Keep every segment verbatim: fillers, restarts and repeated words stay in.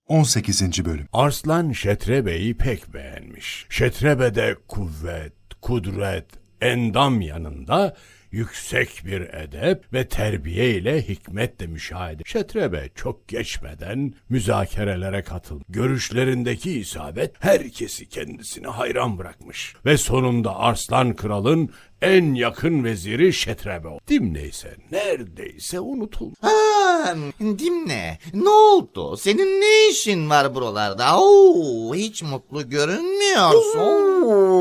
on sekizinci Bölüm. Arslan Şetrebe'yi pek beğenmiş. Şetrebe de kuvvet, kudret, endam yanında yüksek bir edep ve terbiye ile hikmetle müşahede. Şetrebe çok geçmeden müzakerelere katıldı. Görüşlerindeki isabet herkesi kendisine hayran bırakmış. Ve sonunda Arslan Kral'ın en yakın veziri Şetrebe oldu. Dimne ise neredeyse unutuldu. Ha, Dimne, ne oldu? Senin ne işin var buralarda? Oo, hiç mutlu görünmüyorsun.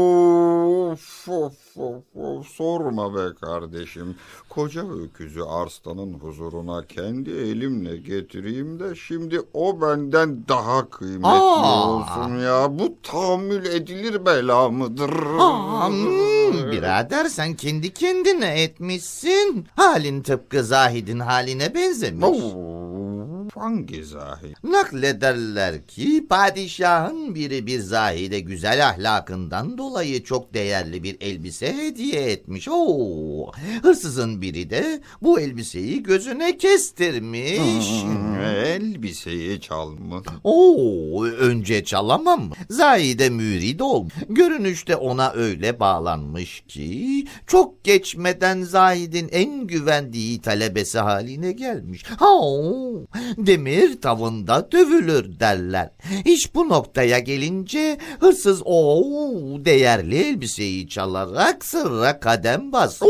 Of, of, of, of. Sorma be kardeşim. Koca öküzü Arslan'ın huzuruna kendi elimle getireyim de şimdi o benden daha kıymetli Aa. olsun ya. Bu tahammül edilir bela mıdır? Aa, hmm, birader sen kendi kendine etmişsin. Halin tıpkı Zahid'in haline benzemiş. Oo, hangi zahid? Naklederler ki padişahın biri bir zahide güzel ahlakından dolayı çok değerli bir elbise hediye etmiş. Oo, hırsızın biri de bu elbiseyi gözüne kestirmiş. Hmm, elbiseyi çalmış. Oo, önce çalamam mı? Zahide mürid ol. Görünüşte ona öyle bağlanmış ki çok geçmeden Zahid'in en güvendiği talebesi haline gelmiş. Ha, demir tavında dövülür derler. İş bu noktaya gelince hırsız o değerli elbiseyi çalarak sırra kadem basmış.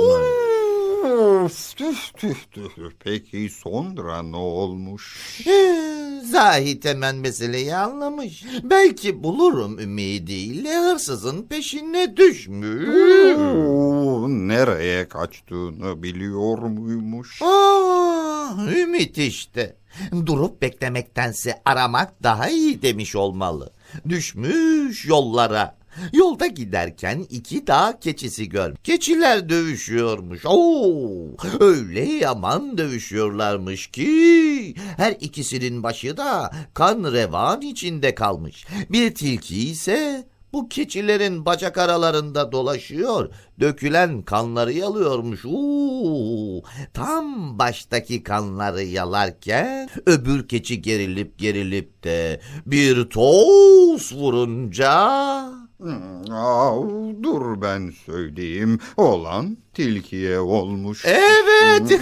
Üf, tüh, tüh, tüh. Peki sonra ne olmuş? Ee, Zahid hemen meseleyi anlamış. Belki bulurum ümidiyle hırsızın peşine düşmüş. Oo, nereye kaçtığını biliyor muymuş? Aa, ümit işte. Durup beklemektense aramak daha iyi demiş olmalı. Düşmüş yollara. Yolda giderken iki dağ keçisi gör. Keçiler dövüşüyormuş. Oo, öyle yaman dövüşüyorlarmış ki her ikisinin başı da kan revan içinde kalmış. Bir tilki ise bu keçilerin bacak aralarında dolaşıyor, dökülen kanları yalıyormuş. Uuu, tam baştaki kanları yalarken öbür keçi gerilip gerilip de bir toz vurunca... Hmm, aa, dur ben söyleyeyim. Olan tilkiye olmuş. Evet.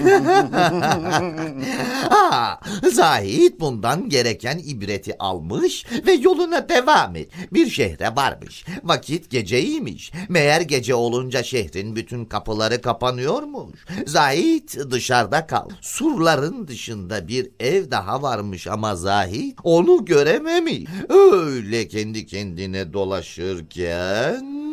Ha, Zahid bundan gereken ibreti almış ve yoluna devam et. Bir şehre varmış. Vakit geceymiş. Meğer gece olunca şehrin bütün kapıları kapanıyormuş. Zahid dışarıda kal. Surların dışında bir ev daha varmış ama Zahid onu görememiş. Öyle kendi kendine dolaşırken...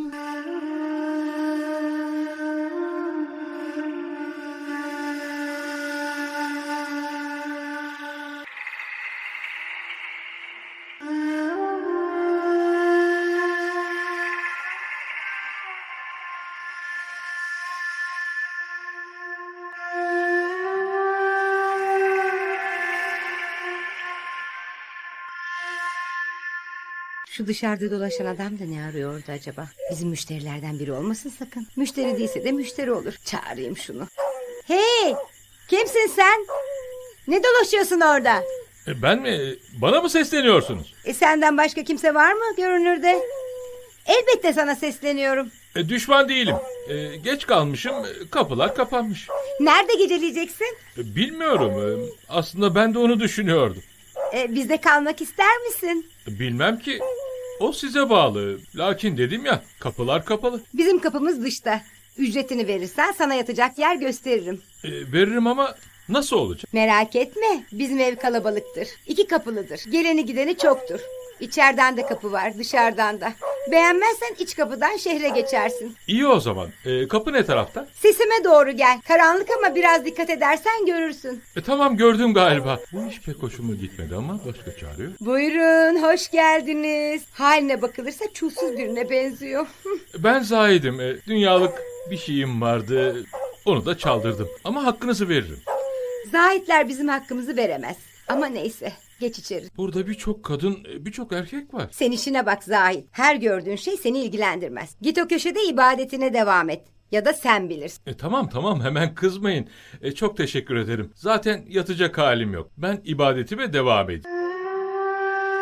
Şu dışarıda dolaşan adam da ne arıyordu acaba? Bizim müşterilerden biri olmasın sakın. Müşteri değilse de müşteri olur. Çağırayım şunu. Hey! Kimsin sen? Ne dolaşıyorsun orada? E, Ben mi? Bana mı sesleniyorsunuz? E senden başka kimse var mı görünürde? Elbette sana sesleniyorum. E, düşman değilim. E, geç kalmışım. e, Kapılar kapanmış. Nerede geceleyeceksin? E, bilmiyorum. E, aslında ben de onu düşünüyordum. E, bizde kalmak ister misin? E, bilmem ki. O size bağlı. Lakin dedim ya, kapılar kapalı. Bizim kapımız dışta. Ücretini verirsen sana yatacak yer gösteririm. E, veririm ama nasıl olacak? Merak etme, bizim ev kalabalıktır. İki kapılıdır. Geleni gideni çoktur. İçeriden de kapı var, dışarıdan da. Beğenmezsen iç kapıdan şehre geçersin. İyi o zaman. E, kapı ne tarafta? Sesime doğru gel. Karanlık ama biraz dikkat edersen görürsün. E, tamam gördüm galiba. Bu iş pek hoşuma gitmedi ama başka çare yok. Buyurun, hoş geldiniz. Haline bakılırsa çulsuz birine benziyor. Ben Zahid'im. E, dünyalık bir şeyim vardı. Onu da çaldırdım. Ama hakkınızı veririm. Zahitler bizim hakkımızı veremez. Ama neyse, geç içeri. Burada birçok kadın, birçok erkek var. Sen işine bak Zahit. Her gördüğün şey seni ilgilendirmez. Git o köşede ibadetine devam et. Ya da sen bilirsin. E, tamam tamam hemen kızmayın. E, çok teşekkür ederim. Zaten yatacak halim yok. Ben ibadetime devam edeyim.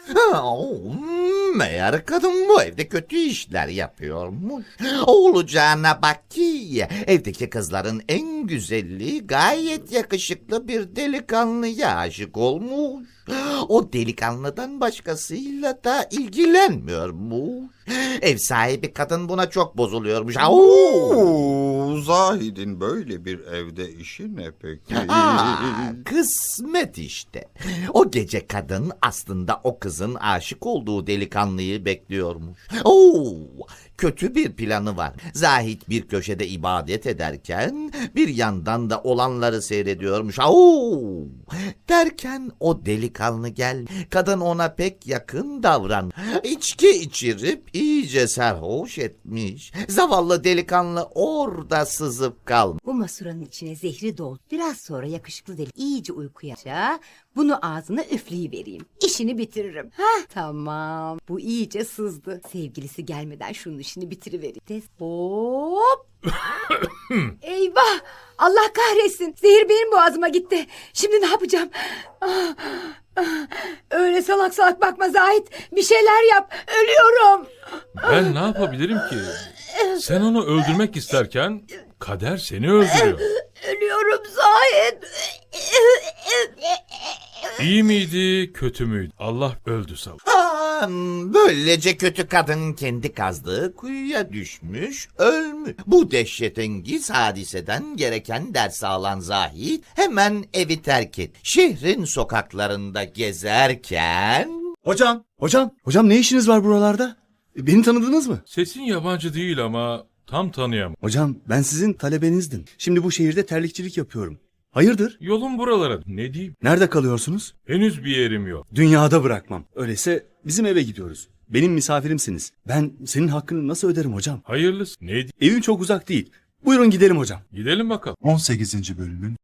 Oo, meğer kadın bu evde kötü işler yapıyormuş. Olacağına bak ki evdeki kızların en güzeli gayet yakışıklı bir delikanlıya aşık olmuş. O delikanlıdan başkasıyla da ilgilenmiyormuş. Ev sahibi kadın buna çok bozuluyormuş. Oo. Oo, Zahid'in böyle bir evde işi ne peki? Aa, kısmet işte. O gece kadın aslında o kızın aşık olduğu delikanlıyı bekliyormuş. Oo, kötü bir planı var. Zahid bir köşede ibadet ederken bir yandan da olanları seyrediyormuş. Oo, derken o delikanlı gel. Kadın ona pek yakın davran. İçki içirip iyice sarhoş etmiş. Zavallı delikanlı orada sızıp kalmış. Bu masuranın içine zehri doldu. Biraz sonra yakışıklı deli iyice uykuya. Bunu ağzına üfleyivereyim. İşini bitiririm. Hah, tamam. Bu iyice sızdı. Sevgilisi gelmeden şunun işini bitirivereyim. Des hop. Eyvah! Allah kahretsin. Zehir benim boğazıma gitti. Şimdi ne yapacağım? Ah, ah. Öyle salak salak bakma Zahit. Bir şeyler yap. Ölüyorum. Ben ne yapabilirim ki? Sen onu öldürmek isterken kader seni öldürüyor. Ölüyorum Zahit. İyi miydi, kötü müydü? Allah öldü sağ ol. Aa, böylece kötü kadın kendi kazdığı kuyuya düşmüş, ölmüş. Bu dehşetengiz hadiseden gereken ders alan Zahid hemen evi terk et. Şehrin sokaklarında gezerken... Hocam, hocam, hocam ne işiniz var buralarda? E, Beni tanıdınız mı? Sesin yabancı değil ama tam tanıyamam. Hocam ben sizin talebenizdim. Şimdi bu şehirde terlikçilik yapıyorum. Hayırdır? Yolum buralara. Ne diyeyim? Nerede kalıyorsunuz? Henüz bir yerim yok. Dünyada bırakmam. Öyleyse bizim eve gidiyoruz. Benim misafirimsiniz. Ben senin hakkını nasıl öderim hocam? Hayırlısı. Ne diyeyim? Evim çok uzak değil. Buyurun gidelim hocam. Gidelim bakalım. on sekizinci bölümün